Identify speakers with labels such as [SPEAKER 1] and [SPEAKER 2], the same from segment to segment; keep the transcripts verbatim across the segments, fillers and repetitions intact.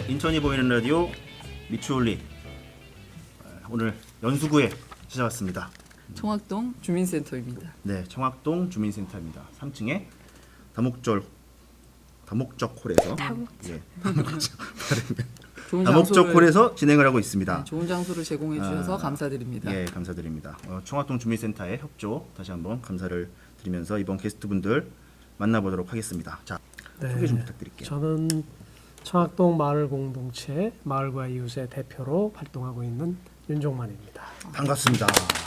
[SPEAKER 1] 인천이 보이는 라디오 미추홀리 오늘 연수구에 찾아왔습니다.
[SPEAKER 2] 청학동 주민센터입니다.
[SPEAKER 1] 네, 청학동 주민센터입니다. 삼 층에 다목절 다목적 홀에서
[SPEAKER 3] 다목적.
[SPEAKER 1] 예, 다목적
[SPEAKER 2] 좋은
[SPEAKER 1] 다목적
[SPEAKER 2] 장소를
[SPEAKER 1] 홀에서 진행을 하고 있습니다.
[SPEAKER 2] 네, 좋은 장소를 제공해 주셔서
[SPEAKER 1] 아,
[SPEAKER 2] 감사드립니다.
[SPEAKER 1] 예, 감사드립니다. 어, 청학동 주민센터의 협조 다시 한번 감사를 드리면서 이번 게스트분들 만나보도록 하겠습니다. 자,
[SPEAKER 4] 네,
[SPEAKER 1] 소개 좀 부탁드릴게요.
[SPEAKER 4] 저는 청학동 마을 공동체 마을과 이웃의 대표로 활동하고 있는 윤종만입니다.
[SPEAKER 1] 반갑습니다.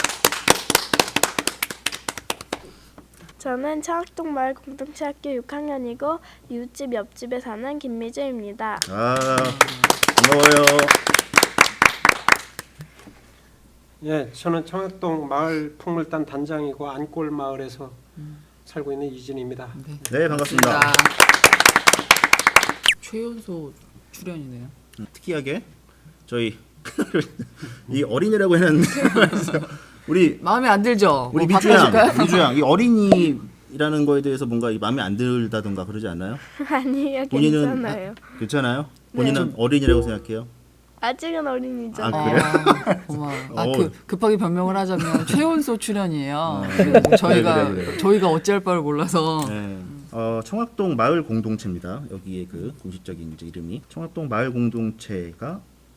[SPEAKER 3] 저는 청학동 마을 공동체 학교 육 학년이고 이웃집 옆집에 사는 김미주입니다.
[SPEAKER 1] 아, 반가워요.
[SPEAKER 5] 예, 저는 청학동 마을 풍물단 단장이고 안골 마을에서 살고 있는 이진입니다.
[SPEAKER 2] 네,
[SPEAKER 1] 네, 반갑습니다.
[SPEAKER 2] 최연소 출연이네요.
[SPEAKER 1] 음, 특이하게 저희 이 어린이라고 해놨는데 우리
[SPEAKER 2] 마음에 안 들죠?
[SPEAKER 1] 우리
[SPEAKER 2] 뭐
[SPEAKER 1] 미주양,
[SPEAKER 2] 바꿔줄까요?
[SPEAKER 1] 미주양 이 어린이라는 거에 대해서 뭔가 이 마음에 안 들다던가 그러지 않나요?
[SPEAKER 3] 아니요,
[SPEAKER 1] 본인은
[SPEAKER 3] 괜찮아요.
[SPEAKER 1] 괜찮아요? 본인은 어린이라고 생각해요?
[SPEAKER 3] 아직은 어린이죠.
[SPEAKER 1] 아,
[SPEAKER 2] 어,
[SPEAKER 1] 그래요?
[SPEAKER 2] 고마워요. 아,
[SPEAKER 1] 어.
[SPEAKER 2] 그, 급하게 변명을 하자면 최연소 출연이에요.
[SPEAKER 1] 어.
[SPEAKER 2] 그래서 저희가
[SPEAKER 1] 그래, 그래, 그래.
[SPEAKER 2] 저희가 어찌할 바를 몰라서
[SPEAKER 1] 네. 어, 청학동 마을 공동체입니다. 여기에 그 공식적인 이제 이름이 청학동 마을 공동체가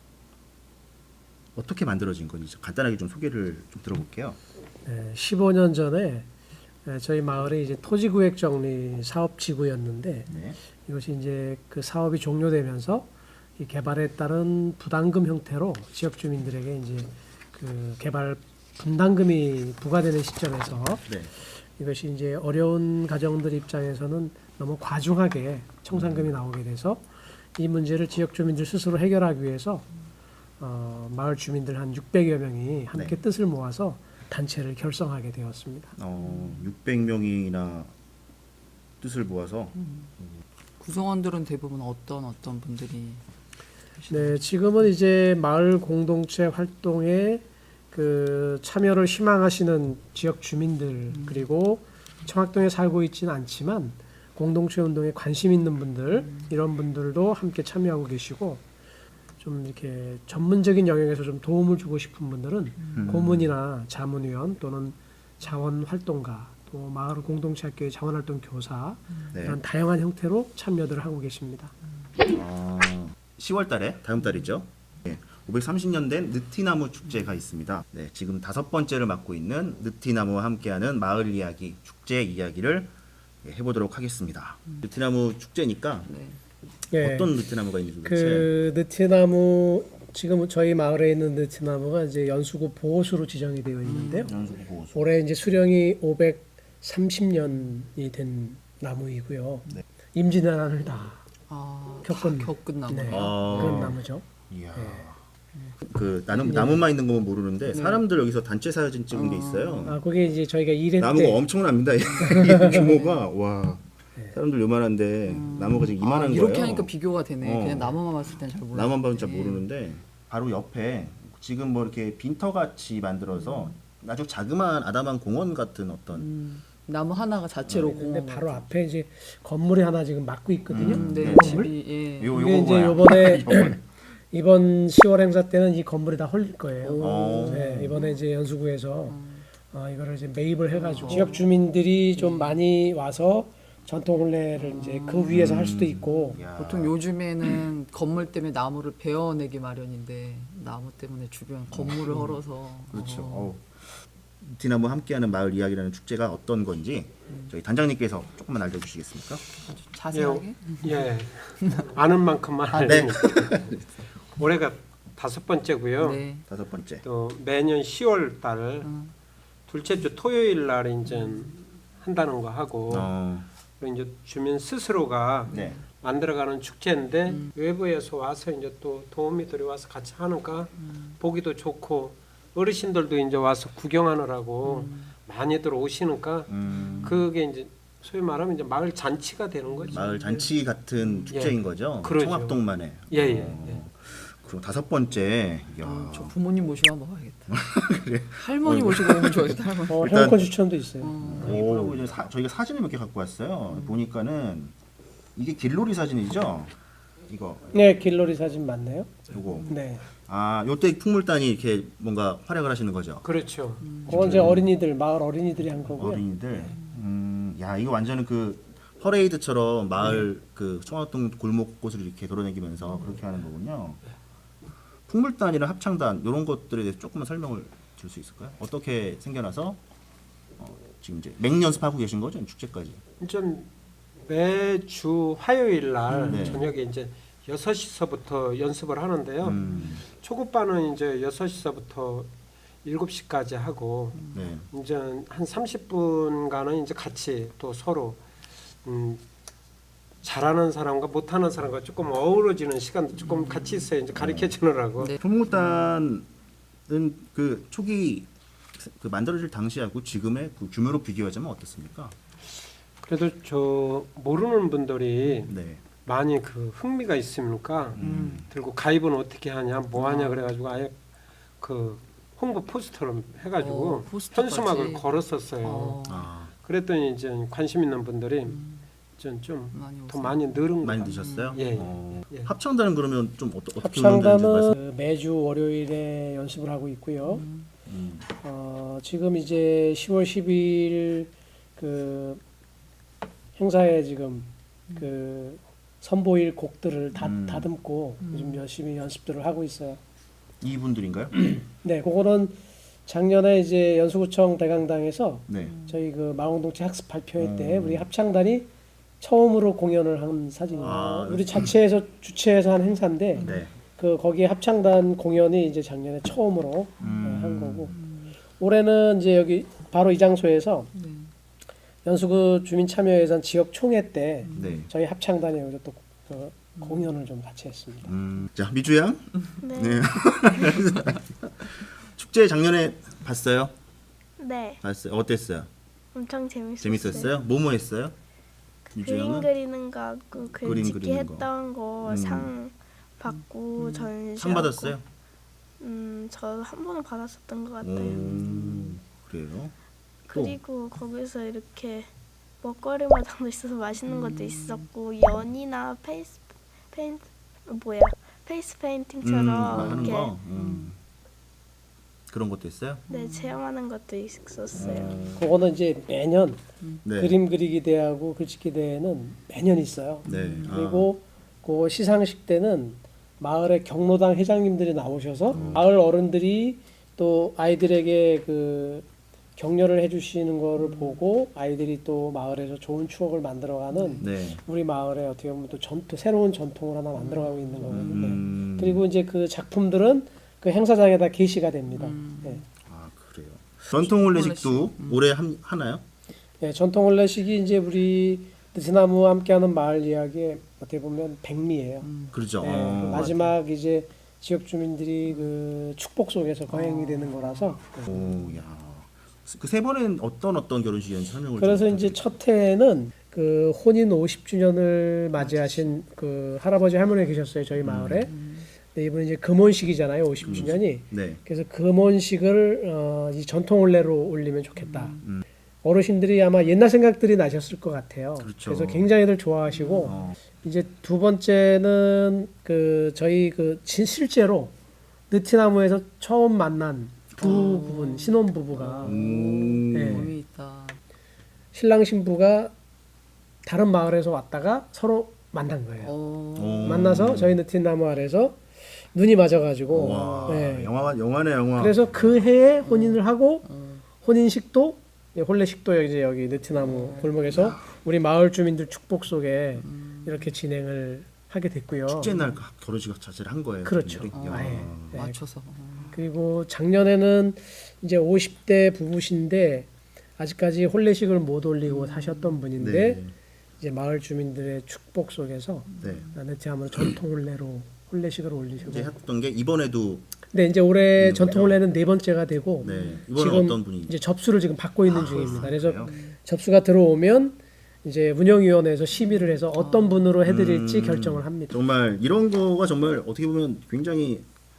[SPEAKER 1] 어떻게 만들어진 건지 간단하게 좀 소개를 좀 들어볼게요.
[SPEAKER 4] 네, 십오 년 전에 네, 저희 마을이 이제 토지구획 정리 사업 지구였는데
[SPEAKER 1] 네.
[SPEAKER 4] 이것이 이제 그 사업이 종료되면서 이 개발에 따른 부담금 형태로 지역 주민들에게 이제 그 개발 분담금이 부과되는 시점에서
[SPEAKER 1] 네.
[SPEAKER 4] 이것이 이제 어려운 가정들 입장에서는 너무 과중하게 청산금이 나오게 돼서 이 문제를 지역 주민들 스스로 해결하기 위해서 어, 마을 주민들 한 육백여 명이 함께
[SPEAKER 1] 네.
[SPEAKER 4] 뜻을 모아서 단체를 결성하게 되었습니다.
[SPEAKER 1] 어, 육백 명이나 뜻을 모아서
[SPEAKER 2] 구성원들은 대부분 어떤 어떤 분들이
[SPEAKER 4] 네, 지금은 이제 마을 공동체 활동에 그 참여를 희망하시는 지역 주민들
[SPEAKER 2] 음.
[SPEAKER 4] 그리고 청학동에 살고 있지는 않지만 공동체 운동에 관심 있는 분들
[SPEAKER 2] 음.
[SPEAKER 4] 이런 분들도 함께 참여하고 계시고 좀 이렇게 전문적인 영역에서 좀 도움을 주고 싶은 분들은
[SPEAKER 1] 음.
[SPEAKER 4] 고문이나 자문위원 또는 자원활동가 또 마을 공동체 학교의 자원활동 교사
[SPEAKER 1] 네.
[SPEAKER 4] 이런 다양한 형태로 참여들을 하고 계십니다.
[SPEAKER 1] 아, 시월 달에 다음 달이죠. 네, 오백삼십 년 된 느티나무 축제가 있습니다. 네, 지금 다섯 번째를 맡고 있는 느티나무와 함께하는 마을 이야기 축제 이야기를 예, 해보도록 하겠습니다. 느티나무 축제니까
[SPEAKER 2] 네.
[SPEAKER 4] 예.
[SPEAKER 1] 어떤 느티나무가 있는지 도대체.
[SPEAKER 4] 그 느티나무 지금 저희 마을에 있는 느티나무가 이제 연수구 보호수로 지정이 되어 있는데요.
[SPEAKER 1] 연수구 보호수.
[SPEAKER 4] 올해 이제 수령이 오백삼십 년이 된 나무이고요.
[SPEAKER 1] 네.
[SPEAKER 4] 임진왜란을 다
[SPEAKER 2] 아,
[SPEAKER 4] 겪은-
[SPEAKER 2] 다 겪은 나무.
[SPEAKER 4] 네,
[SPEAKER 1] 아.
[SPEAKER 4] 그런 나무죠.
[SPEAKER 1] 이야.
[SPEAKER 4] 네.
[SPEAKER 1] 그 나무 나무만 있는 거면 모르는데 사람들 여기서 단체 사진 찍은 게 있어요.
[SPEAKER 4] 아 그게 이제 저희가 일회
[SPEAKER 1] 나무가
[SPEAKER 4] 때
[SPEAKER 1] 엄청납니다. 이 규모가 와. 사람들 요만한데 나무가 지금 이만한
[SPEAKER 2] 아,
[SPEAKER 1] 거예요.
[SPEAKER 2] 이렇게 하니까 비교가 되네.
[SPEAKER 1] 어.
[SPEAKER 2] 그냥 나무만 봤을 땐 잘 몰라.
[SPEAKER 1] 나만 봐도 잘 모르는데 바로 옆에 지금 뭐 이렇게 빈터 같이 만들어서 아주 자그마한 아담한 공원 같은 어떤
[SPEAKER 2] 음, 나무 하나가 자체로
[SPEAKER 4] 근데
[SPEAKER 2] 공원.
[SPEAKER 4] 바로
[SPEAKER 2] 같아.
[SPEAKER 4] 앞에 이제 건물이 하나 지금 막고 있거든요.
[SPEAKER 1] 음,
[SPEAKER 2] 네,
[SPEAKER 1] 건물?
[SPEAKER 2] 집이 예.
[SPEAKER 1] 요
[SPEAKER 4] 이게
[SPEAKER 1] 요거
[SPEAKER 4] 이제
[SPEAKER 1] 뭐야?
[SPEAKER 4] 요번에
[SPEAKER 1] 이거는.
[SPEAKER 4] 이번 시월 행사 때는 이 건물이 다 홀릴 거예요.
[SPEAKER 1] 오.
[SPEAKER 4] 네, 이번에 이제 연수구에서 어, 이거를 이제 매입을 해가지고
[SPEAKER 2] 어.
[SPEAKER 4] 지역 주민들이 좀 많이 와서 전통 혼례를 이제 그 위에서 할 수도 있고
[SPEAKER 1] 야.
[SPEAKER 2] 보통 요즘에는 건물 때문에 나무를 베어내기 마련인데 나무 때문에 주변 건물을 헐어서
[SPEAKER 1] 그렇죠.
[SPEAKER 2] 어,
[SPEAKER 1] 어우. 디나무 함께하는 마을 이야기라는 축제가 어떤 건지 저희 단장님께서 조금만 알려주시겠습니까?
[SPEAKER 2] 아주 자세하게.
[SPEAKER 5] 예, 아는 만큼만
[SPEAKER 2] 아,
[SPEAKER 1] 네.
[SPEAKER 5] 알립니다. 올해가 다섯 번째고요.
[SPEAKER 2] 네.
[SPEAKER 1] 다섯 번째.
[SPEAKER 5] 또 매년 시월 달
[SPEAKER 2] 음.
[SPEAKER 5] 둘째 주 토요일 날 이제 한다는 거 하고
[SPEAKER 1] 어,
[SPEAKER 5] 그리고 이제 주민 스스로가
[SPEAKER 1] 네.
[SPEAKER 5] 만들어가는 축제인데
[SPEAKER 2] 음.
[SPEAKER 5] 외부에서 와서 이제 또 도우미 들어와서 같이 하니까
[SPEAKER 2] 음.
[SPEAKER 5] 보기도 좋고 어르신들도 이제 와서 구경하느라고
[SPEAKER 2] 음.
[SPEAKER 5] 많이들 오시니까
[SPEAKER 1] 음,
[SPEAKER 5] 그게 이제 소위 말하면 이제 마을 잔치가 되는 거죠.
[SPEAKER 1] 마을 잔치 같은 축제인 거죠.
[SPEAKER 5] 그러죠.
[SPEAKER 1] 청학동만의.
[SPEAKER 5] 예, 예,
[SPEAKER 1] 어,
[SPEAKER 5] 예.
[SPEAKER 1] 그리고 다섯 번째. 야.
[SPEAKER 2] 어, 저 부모님 모시고 한번 가야겠다. 할머니 모시고 오면 좋아하겠다. 할머니.
[SPEAKER 4] 어,
[SPEAKER 1] 일단-
[SPEAKER 4] 행복한 추천도 있어요.
[SPEAKER 2] 어.
[SPEAKER 1] 오, 그리고 이제 사, 저희가 사진을 몇 개 갖고 왔어요. 보니까는 이게 길놀이 사진이죠. 이거
[SPEAKER 4] 네, 길놀이 사진 맞네요.
[SPEAKER 1] 요거.
[SPEAKER 4] 네.
[SPEAKER 1] 아, 요때 풍물단이 이렇게 뭔가 활약을 하시는 거죠.
[SPEAKER 5] 그렇죠.
[SPEAKER 4] 그건 이제 어린이들, 마을 어린이들이 한 거고요.
[SPEAKER 1] 어린이들. 음, 야, 이거 완전히 그 퍼레이드처럼 마을 그 청학동 골목 곳을 이렇게 돌아다니면서 그렇게 하는 거군요. 풍물단이랑 합창단 이런 것들에 대해서 조금만 설명을 줄 수 있을까요? 어떻게 생겨나서 어, 지금 이제 맹 연습하고 계신 거죠? 축제까지.
[SPEAKER 5] 이제 매주 화요일 날
[SPEAKER 1] 네.
[SPEAKER 5] 저녁에 이제 여섯 시서부터 연습을 하는데요.
[SPEAKER 1] 음,
[SPEAKER 5] 초급반은 이제 여섯 시서부터 일곱 시까지 하고
[SPEAKER 1] 네.
[SPEAKER 5] 이제 한 삼십 분간은 이제 같이 또 서로 음, 잘하는 사람과 못하는 사람과 조금 어우러지는 시간도 조금 같이 있어요. 이제 가르쳐 주느라고.
[SPEAKER 2] 네.
[SPEAKER 1] 풍물단은 그 초기 그 만들어질 당시하고 지금의 그 규모로 비교하자면 어떻습니까?
[SPEAKER 5] 그래도 저 모르는 분들이
[SPEAKER 1] 네.
[SPEAKER 5] 많이 그 흥미가 있으니까
[SPEAKER 1] 음.
[SPEAKER 5] 들고 가입은 어떻게 하냐, 뭐 하냐 그래가지고 아예 그 홍보 포스터를 해가지고
[SPEAKER 2] 어, 포스터까지.
[SPEAKER 5] 현수막을 걸었었어요.
[SPEAKER 2] 어,
[SPEAKER 1] 아,
[SPEAKER 5] 그랬더니 이제 관심 있는 분들이 좀 좀 더
[SPEAKER 2] 많이 오세요.
[SPEAKER 5] 많이 늘은
[SPEAKER 1] 많이
[SPEAKER 5] 것 같아요.
[SPEAKER 1] 드셨어요?
[SPEAKER 5] 예,
[SPEAKER 1] 어,
[SPEAKER 5] 예.
[SPEAKER 1] 합창단은 그러면 좀 어떠, 어떻게 운영되는지
[SPEAKER 4] 합창단은
[SPEAKER 1] 말씀.
[SPEAKER 4] 그 매주 월요일에 연습을 하고 있고요.
[SPEAKER 1] 음.
[SPEAKER 4] 어, 지금 이제 시월 십일 그 행사에 지금 그 선보일 곡들을 다
[SPEAKER 1] 음.
[SPEAKER 4] 다듬고 요즘 열심히 연습들을 하고 있어요.
[SPEAKER 1] 이분들인가요?
[SPEAKER 4] 네, 그거는 작년에 이제 연수구청 대강당에서
[SPEAKER 1] 네.
[SPEAKER 4] 저희 그 마공동체 학습 발표회 때
[SPEAKER 1] 음.
[SPEAKER 4] 우리 합창단이 처음으로 공연을 한 사진이에요.
[SPEAKER 1] 아,
[SPEAKER 4] 우리 자체에서 주최해서 한 행사인데
[SPEAKER 1] 네.
[SPEAKER 4] 그 거기에 합창단 공연이 이제 작년에 처음으로
[SPEAKER 1] 음.
[SPEAKER 4] 한 거고 올해는 이제 여기 바로 이 장소에서
[SPEAKER 2] 네.
[SPEAKER 4] 연수구 주민 참여 예산 지역 총회 때
[SPEAKER 1] 네.
[SPEAKER 4] 저희 합창단이 여기서 또 그 공연을 좀 같이 했습니다.
[SPEAKER 1] 음. 자, 미주 양.
[SPEAKER 3] 네.
[SPEAKER 1] 네. 축제 작년에 봤어요?
[SPEAKER 3] 네.
[SPEAKER 1] 봤어요. 어땠어요?
[SPEAKER 3] 엄청 재밌었어요.
[SPEAKER 1] 재밌었어요? 뭐뭐 했어요? 미주
[SPEAKER 3] 그림
[SPEAKER 1] 양은
[SPEAKER 3] 그리는 거 하고 글
[SPEAKER 1] 그림
[SPEAKER 3] 짓기
[SPEAKER 1] 그리는 거.
[SPEAKER 3] 했던 거
[SPEAKER 1] 음.
[SPEAKER 3] 상 받고 전시
[SPEAKER 1] 상 받았어요?
[SPEAKER 3] 음, 저 한 번은 받았었던 것 같아요.
[SPEAKER 1] 음. 그래요?
[SPEAKER 3] 그리고 거기서 이렇게 먹거리 마당도 있어서 맛있는 것도 있었고 연이나 페이스 페인트 뭐야 페이스 페인팅처럼
[SPEAKER 1] 음, 하는
[SPEAKER 3] 이렇게
[SPEAKER 1] 거. 음. 그런 것도 있어요?
[SPEAKER 3] 네 체험하는 것도 있었어요.
[SPEAKER 4] 그거는 이제 매년
[SPEAKER 1] 네.
[SPEAKER 4] 그림 그리기 대회하고 글짓기 대회는 매년 있어요.
[SPEAKER 1] 네.
[SPEAKER 4] 그리고 그 시상식 때는 마을의 경로당 회장님들이 나오셔서 마을 어른들이 또 아이들에게 그 격려를 해주시는 거를 보고 아이들이 또 마을에서 좋은 추억을 만들어가는
[SPEAKER 1] 아, 네.
[SPEAKER 4] 우리 마을에 어떻게 보면 또 전통 새로운 전통을 하나 만들어가고 있는 거거든요.
[SPEAKER 1] 음.
[SPEAKER 4] 그리고 이제 그 작품들은 그 행사장에다 게시가 됩니다. 네.
[SPEAKER 1] 아, 그래요. 전통 혼례식도 올해 함, 하나요?
[SPEAKER 4] 네, 전통 혼례식이 이제 우리 느티나무와 함께하는 마을 이야기의 어떻게 보면 백미예요.
[SPEAKER 1] 그렇죠.
[SPEAKER 4] 네,
[SPEAKER 1] 어,
[SPEAKER 4] 그 마지막 이제 지역 주민들이 그 축복 속에서 거행이 되는 거라서.
[SPEAKER 1] 오, 야. 그 세 번은 어떤 어떤 결혼식이었는지 설명을
[SPEAKER 4] 그래서
[SPEAKER 1] 좀
[SPEAKER 4] 이제
[SPEAKER 1] 부탁드릴게요.
[SPEAKER 4] 첫 해에는 그 혼인 오십 주년을 맞이하신 그 할아버지 할머니 계셨어요 저희 마을에. 네, 이분은 이제 금혼식이잖아요 오십 주년이.
[SPEAKER 1] 네.
[SPEAKER 4] 그래서 금혼식을 어, 이 전통 혼례로 올리면 좋겠다.
[SPEAKER 1] 음.
[SPEAKER 4] 어르신들이 아마 옛날 생각들이 나셨을 것 같아요.
[SPEAKER 1] 그렇죠.
[SPEAKER 4] 래서 굉장히들 좋아하시고
[SPEAKER 1] 어.
[SPEAKER 4] 이제 두 번째는 그 저희 그 진- 실제로 느티나무에서 처음 만난 두 부분 신혼 부부가
[SPEAKER 1] 음.
[SPEAKER 4] 네.
[SPEAKER 2] 의미 있다.
[SPEAKER 4] 신랑 신부가 다른 마을에서 왔다가 서로 만난 거예요.
[SPEAKER 2] 어,
[SPEAKER 1] 어.
[SPEAKER 4] 만나서 저희 느티나무 아래서 눈이 맞아가지고
[SPEAKER 1] 와.
[SPEAKER 4] 네.
[SPEAKER 1] 영화 영화네 영화.
[SPEAKER 4] 그래서 그 해에 혼인을 하고 혼인식도 네, 혼례식도 이제 여기 느티나무 골목에서 우리 마을 주민들 축복 속에 이렇게 진행을 하게 됐고요.
[SPEAKER 1] 축제 날 결혼식 자체를 한 거예요.
[SPEAKER 4] 그렇죠.
[SPEAKER 1] 분들이?
[SPEAKER 2] 어,
[SPEAKER 1] 야.
[SPEAKER 4] 아예. 네.
[SPEAKER 2] 맞춰서. 어.
[SPEAKER 4] 그리고 작년에는 이제 오십 대 부부신데 아직까지 혼례식을 못 올리고 사셨던 분인데
[SPEAKER 1] 네.
[SPEAKER 4] 이제 마을 주민들의 축복 속에서
[SPEAKER 1] 네.
[SPEAKER 4] 느티나무 전통 혼례로 혼례식을 올리시고.
[SPEAKER 1] 이제 했던 게 이번에도
[SPEAKER 4] 네, 이제 올해
[SPEAKER 1] 음,
[SPEAKER 4] 전통 혼례는 네 번째가 되고
[SPEAKER 1] 네. 이번엔
[SPEAKER 4] 지금
[SPEAKER 1] 어떤 분이
[SPEAKER 4] 이제 접수를 지금 받고 있는
[SPEAKER 1] 아,
[SPEAKER 4] 중입니다.
[SPEAKER 1] 아,
[SPEAKER 4] 그래서
[SPEAKER 1] 그래요?
[SPEAKER 4] 접수가 들어오면 이제 운영위원회에서 심의를 해서 어떤 분으로 해드릴지
[SPEAKER 1] 음,
[SPEAKER 4] 결정을 합니다.
[SPEAKER 1] 정말 이런 거가 정말 어떻게 보면 굉장히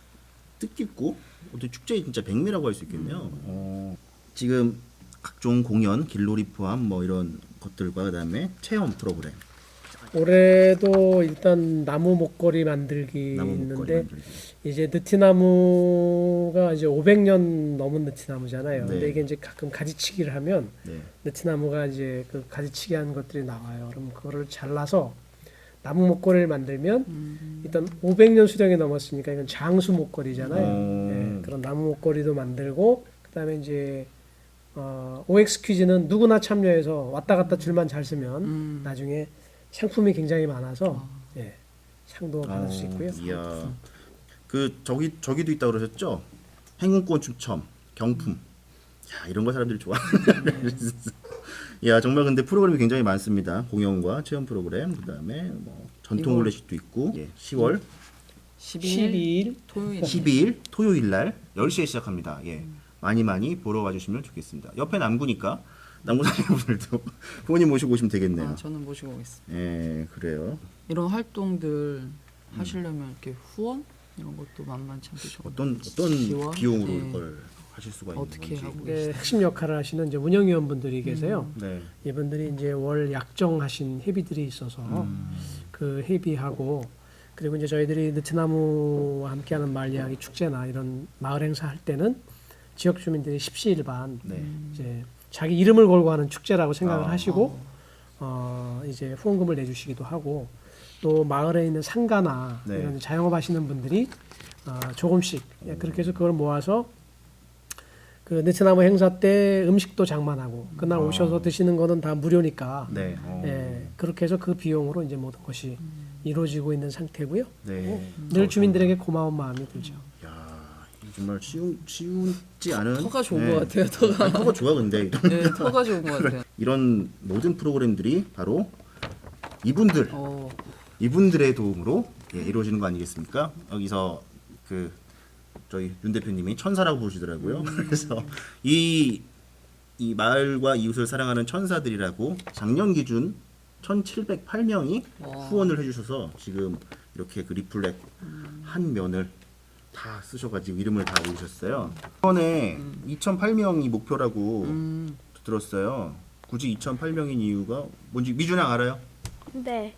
[SPEAKER 1] 뜻깊고 어떻게 축제의 진짜 백미라고 할 수 있겠네요. 어, 지금 각종 공연, 길놀이 포함 뭐 이런 것들과 그다음에 체험 프로그램
[SPEAKER 4] 올해도 일단 나무 목걸이 만들기
[SPEAKER 1] 나무 목걸이
[SPEAKER 4] 있는데
[SPEAKER 1] 만들기.
[SPEAKER 4] 이제 느티나무가 이제 오백 년 넘은 느티나무잖아요.
[SPEAKER 1] 네.
[SPEAKER 4] 근데 이게 이제 가끔 가지치기를 하면
[SPEAKER 1] 네.
[SPEAKER 4] 느티나무가 이제 그 가지치기 한 것들이 나와요. 그럼 그거를 잘라서 나무 목걸이를 만들면
[SPEAKER 2] 음.
[SPEAKER 4] 일단 오백 년 수령이 넘었으니까 이건 장수 목걸이잖아요.
[SPEAKER 1] 음.
[SPEAKER 4] 예, 그런 나무 목걸이도 만들고 그다음에 이제 어, 오엑스 퀴즈는 누구나 참여해서 왔다 갔다 줄만 잘 쓰면
[SPEAKER 2] 음.
[SPEAKER 4] 나중에 상품이 굉장히 많아서
[SPEAKER 2] 아.
[SPEAKER 4] 예, 상도 받을 수 있고요.
[SPEAKER 1] 이야. 그 저기 저기도 있다 그러셨죠? 행운권 추첨, 경품. 야, 이런 거 사람들이 좋아. 야, 정말 근데 프로그램이 굉장히 많습니다. 공연과 체험 프로그램, 그다음에 뭐 전통
[SPEAKER 2] 이거-
[SPEAKER 1] 롤렛도 있고. 예, 시월
[SPEAKER 2] 십이 일
[SPEAKER 4] 십이 일
[SPEAKER 2] 토요일
[SPEAKER 1] 십이 일 토요일 날 열 시에 시작합니다. 예. 많이 많이 보러 와 주시면 좋겠습니다. 옆에 남구니까 남구 사시는 분들도 부모님 모시고 오시면 되겠네요.
[SPEAKER 2] 아, 저는 모시고 오겠습니다.
[SPEAKER 1] 예, 그래요.
[SPEAKER 2] 이런 활동들 하시려면 이렇게 후원 이런 것도 만만치 않게 좀
[SPEAKER 1] 어떤 어떤
[SPEAKER 2] 지원?
[SPEAKER 1] 비용으로
[SPEAKER 2] 예.
[SPEAKER 1] 이걸 하실 수가 있는
[SPEAKER 2] 어떻게
[SPEAKER 1] 건지.
[SPEAKER 2] 하고
[SPEAKER 4] 네, 핵심 역할을 하시는 이제 운영위원분들이 계세요.
[SPEAKER 1] 네.
[SPEAKER 4] 이분들이 이제 월 약정하신 회비들이 있어서
[SPEAKER 1] 음.
[SPEAKER 4] 그 회비하고 그리고 이제 저희들이 느티나무와 함께하는 마을 이야기 축제나 이런 마을 행사 할 때는 지역 주민들이 십시일반
[SPEAKER 1] 네.
[SPEAKER 4] 이제 자기 이름을 걸고 하는 축제라고 생각을
[SPEAKER 1] 아.
[SPEAKER 4] 하시고 어 이제 후원금을 내주시기도 하고 또 마을에 있는 상가나
[SPEAKER 1] 네.
[SPEAKER 4] 이런 자영업 하시는 분들이 어 조금씩 예, 그렇게 해서 그걸 모아서 그 느티나무 행사 때 음식도 장만하고 그날
[SPEAKER 1] 아.
[SPEAKER 4] 오셔서 드시는 거는 다 무료니까
[SPEAKER 1] 네. 어.
[SPEAKER 4] 예, 그렇게 해서 그 비용으로 이제 모든 것이 이루어지고 있는 상태고요.
[SPEAKER 1] 네.
[SPEAKER 4] 늘 주민들에게 고마운 마음이 들죠.
[SPEAKER 1] 야, 이거 정말 쉬운 쉬운지 않은
[SPEAKER 2] 터가 좋은
[SPEAKER 1] 네.
[SPEAKER 2] 것 같아요. 터가
[SPEAKER 1] 아니, 터가 좋아 근데 이런,
[SPEAKER 2] 네, 터가 좋은 것 같아요.
[SPEAKER 1] 이런 모든 프로그램들이 바로 이분들
[SPEAKER 2] 어,
[SPEAKER 1] 이분들의 도움으로 예, 이루어지는 거 아니겠습니까? 여기서 그 저희 윤 대표님이 천사라고 부르시더라고요. 그래서 이, 이 마을과 이웃을 사랑하는 천사들이라고 작년 기준 천칠백팔 명이
[SPEAKER 2] 와.
[SPEAKER 1] 후원을 해주셔서 지금 이렇게 그 리플렛 한 면을 다 쓰셔가지고 이름을 다 올리셨어요. 이번에 이천팔 명이 목표라고
[SPEAKER 2] 음,
[SPEAKER 1] 들었어요. 굳이 이천팔 명인 이유가 뭔지 미준양 알아요?
[SPEAKER 3] 네.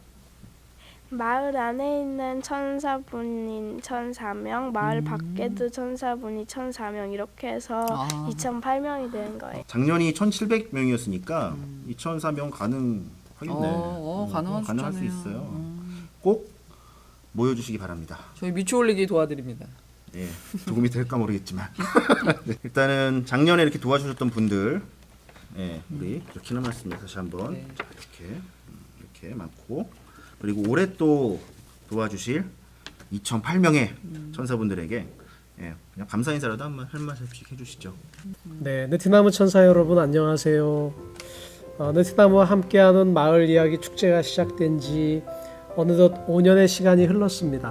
[SPEAKER 3] 마을 안에 있는 천사분인 천사 명, 마을 밖에도 천사분이 천사 명 이렇게 해서
[SPEAKER 2] 아.
[SPEAKER 3] 이천팔 명이 되는 거예요.
[SPEAKER 1] 작년이 천칠백 명이었으니까 이천사 명 가능하겠네.
[SPEAKER 2] 어, 어, 가능한
[SPEAKER 1] 가능할 수
[SPEAKER 2] 숫자네요.
[SPEAKER 1] 있어요.
[SPEAKER 2] 음.
[SPEAKER 1] 꼭 모여주시기 바랍니다.
[SPEAKER 2] 저희 미추 올리기 도와드립니다.
[SPEAKER 1] 예, 도움이 될까 모르겠지만 네, 일단은 작년에 이렇게 도와주셨던 분들, 예, 우리 이렇게나 말씀을 다시 한번
[SPEAKER 2] 네.
[SPEAKER 1] 자, 이렇게 음, 이렇게 많고 그리고 올해 또 도와주실 이천팔 명의 천사분들에게 예, 그냥 감사 인사라도 한번 할 말씀씩 해주시죠.
[SPEAKER 4] 네, 느티나무 천사 여러분 안녕하세요. 어, 느티나무와 함께하는 마을 이야기 축제가 시작된 지 어느덧 오 년의 시간이 흘렀습니다.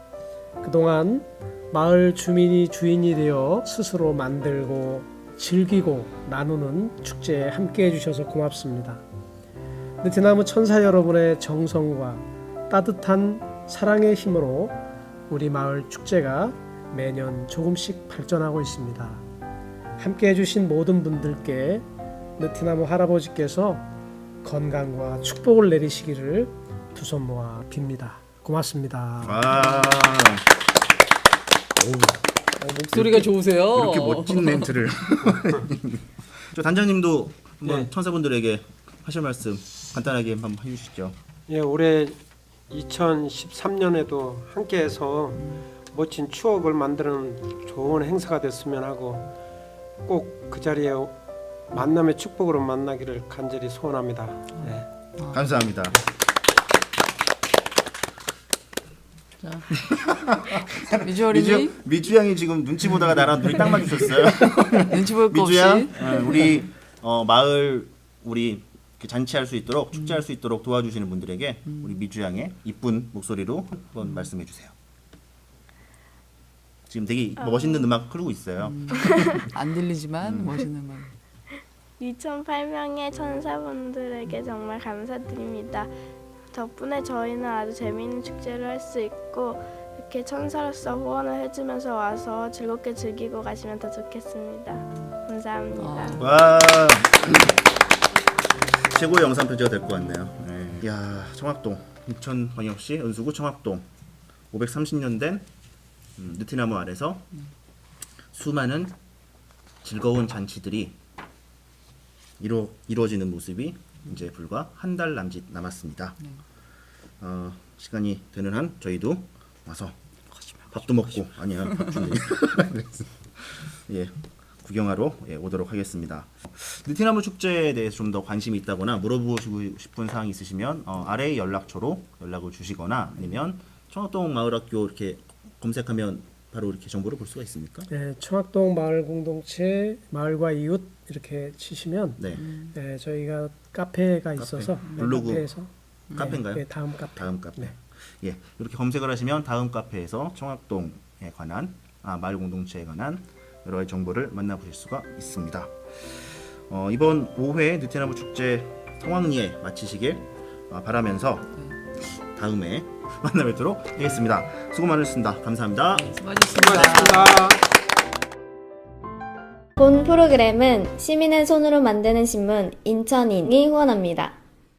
[SPEAKER 4] 그동안 마을 주민이 주인이 되어 스스로 만들고 즐기고 나누는 축제에 함께해 주셔서 고맙습니다. 느티나무 천사 여러분의 정성과 따뜻한 사랑의 힘으로 우리 마을 축제가 매년 조금씩 발전하고 있습니다. 함께해 주신 모든 분들께 느티나무 할아버지께서 건강과 축복을 내리시기를 두 손 모아 빕니다. 고맙습니다.
[SPEAKER 1] 아,
[SPEAKER 2] 어, 목소리가 좋으세요.
[SPEAKER 1] 이렇게 멋진 멘트를. 저 단장님도 한번
[SPEAKER 5] 네.
[SPEAKER 1] 천사분들에게 하실 말씀 간단하게 한번 해주시죠.
[SPEAKER 5] 예, 올해 이천십삼 년에도 함께해서 멋진 추억을 만드는 좋은 행사가 됐으면 하고 꼭 그 자리에 만남의 축복으로 만나기를 간절히 소원합니다. 네.
[SPEAKER 1] 감사합니다.
[SPEAKER 2] 미주 어린이
[SPEAKER 1] 미주 미주 양이 지금 눈치 보다가 나랑 눈이 딱 마주쳤어요.
[SPEAKER 2] 눈치 볼 거
[SPEAKER 1] 미주
[SPEAKER 2] 없이
[SPEAKER 1] 양, 어, 우리 어, 마을 우리 이렇게 잔치할 수 있도록 축제할 수 있도록 도와주시는 분들에게 우리 미주 양의 이쁜 목소리로 한번 말씀해 주세요. 지금 되게 멋있는 음악 흐르고 있어요.
[SPEAKER 2] 안 들리지만
[SPEAKER 1] 음.
[SPEAKER 2] 멋있는 말.
[SPEAKER 3] 이천팔 명의 천사분들에게 정말 감사드립니다. 덕분에 저희는 아주 재미있는 축제를 할 수 있고 이렇게 천사로서 후원을 해주면서 와서 즐겁게 즐기고 가시면 더 좋겠습니다. 감사합니다.
[SPEAKER 2] 아.
[SPEAKER 1] 와, 최고의 영상 편지가 될 것 같네요. 네. 야, 청학동 인천광역시 은수구 청학동 오백삼십 년 된 음, 느티나무 아래서 수많은 즐거운 잔치들이 이루, 이루어지는 모습이 이제 불과 한 달 남짓 남았습니다. 어, 시간이 되는 한 저희도 와서 밥도 먹고 아니야 밥 준대. 예, 구경하러 예, 오도록 하겠습니다. 느티나무 축제에 대해서 좀 더 관심이 있다거나 물어보시고 싶은 사항이 있으시면 어, 아래의 연락처로 연락을 주시거나 아니면 청학동 마을학교 이렇게 검색하면 바로 이렇게 정보를 볼 수가 있습니까?
[SPEAKER 4] 네, 청학동 마을 공동체 마을과 이웃 이렇게 치시면
[SPEAKER 1] 네,
[SPEAKER 4] 네, 저희가 카페가 있어서 네,
[SPEAKER 1] 블로그
[SPEAKER 4] 카페에서
[SPEAKER 1] 카페인가요?
[SPEAKER 4] 네, 다음 카페.
[SPEAKER 1] 다음 카페.
[SPEAKER 4] 네.
[SPEAKER 1] 예, 이렇게 검색을 하시면 다음 카페에서 청학동에 관한 아, 마을 공동체에 관한 여러 가지 정보를 만나보실 수가 있습니다. 어, 이번 오 회 느티나무 축제 성황리에 마치시길 어, 바라면서 다음에 만나 뵙도록 하겠습니다. 수고 많으셨습니다. 감사합니다.
[SPEAKER 2] 수고하셨습니다.
[SPEAKER 5] 수고하셨습니다.
[SPEAKER 6] 본 프로그램은 시민의 손으로 만드는 신문 인천인이 후원합니다.